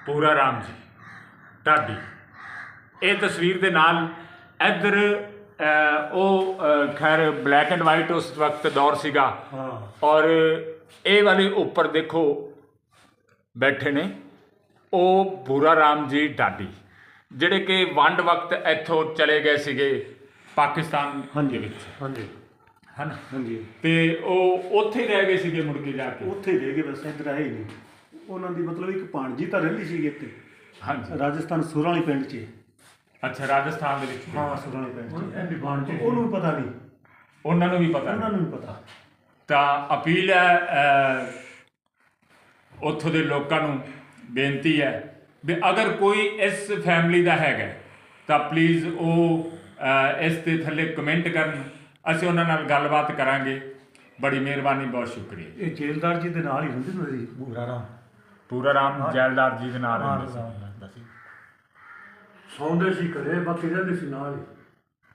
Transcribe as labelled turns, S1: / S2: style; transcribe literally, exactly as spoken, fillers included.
S1: ਪੂਰਾ ਰਾਮ ਜੀ ਢਾਡੀ। ਇਹ ਤਸਵੀਰ ਦੇ ਨਾਲ ਇੱਧਰ ਉਹ ਖੈਰ ਬਲੈਕ ਐਂਡ ਵਾਈਟ ਉਸ ਵਕਤ ਦੌਰ ਸੀਗਾ। ਔਰ ਇਹ ਵਾਲੇ ਉੱਪਰ ਦੇਖੋ ਬੈਠੇ ਨੇ ਉਹ ਪੂਰਾ ਰਾਮ ਜੀ ਢਾਡੀ, ਜਿਹੜੇ ਕਿ ਵੰਡ ਵਕਤ ਇੱਥੋਂ ਚਲੇ ਗਏ ਸੀਗੇ ਪਾਕਿਸਤਾਨ ਦੇ ਵਿੱਚ,
S2: ਹਾਂਜੀ
S1: ਹੈ ਨਾ।
S2: ਹਾਂਜੀ
S1: ਤੇ ਉਹ ਉੱਥੇ ਹੀ ਰਹਿ ਗਏ ਸੀਗੇ ਮੁੜ ਕੇ ਜਾ ਕੇ,
S2: ਉੱਥੇ ਹੀ ਰਹਿ ਗਏ, ਬਸ ਇੱਧਰ ਆਏ ਹੀ ਨਹੀਂ। ਉਹਨਾਂ ਦੀ ਮਤਲਬ ਇੱਕ ਭਾਣਜੀ ਤਾਂ ਰਹਿੰਦੀ ਸੀਗੀ ਇੱਥੇ,
S1: ਹਾਂਜੀ
S2: ਰਾਜਸਥਾਨ ਸੁਰਾਂ ਵਾਲੀ ਪਿੰਡ 'ਚ।
S1: ਅੱਛਾ, ਰਾਜਸਥਾਨ ਦੇ ਵਿੱਚ।
S2: ਹਾਂ, ਸੁਰਾਂ ਵਾਲੀ ਪਿੰਡ 'ਚ। ਉਹਨੂੰ ਵੀ ਪਤਾ ਨਹੀਂ,
S1: ਉਹਨਾਂ ਨੂੰ ਵੀ ਪਤਾ
S2: ਉਹਨਾਂ ਨੂੰ ਵੀ ਪਤਾ।
S1: ਤਾਂ ਅਪੀਲ ਹੈ ਉੱਥੋਂ ਦੇ ਲੋਕਾਂ ਨੂੰ, ਬੇਨਤੀ ਹੈ ਵੀ ਅਗਰ ਕੋਈ ਇਸ ਫੈਮਿਲੀ ਦਾ ਹੈਗਾ ਤਾਂ ਪਲੀਜ਼ ਉਹ ਇਸ ਦੇ ਥੱਲੇ ਕਮੈਂਟ ਕਰਨ, ਅਸੀਂ ਉਹਨਾਂ ਨਾਲ ਗੱਲਬਾਤ ਕਰਾਂਗੇ। ਬੜੀ ਮਿਹਰਬਾਨੀ, ਬਹੁਤ ਸ਼ੁਕਰੀਆ।
S2: ਇਹ ਜੇਲਦਾਰ ਜੀ ਦੇ ਨਾਲ ਹੀ ਹੁੰਦੇ ਹੁੰਦੇ ਸੀ ਪੂਰਾ ਰਾਮ।
S1: ਪੂਰਾ ਰਾਮ ਜੈਲਦਾਰ ਜੀ ਦੇ ਨਾਲ ਰਹਿੰਦੇ ਸੀ,
S2: ਸੌਂਦੇ ਸੀ ਘਰੇ, ਬਾਕੀ ਰਹਿੰਦੇ ਸੀ ਨਾਲ ਹੀ।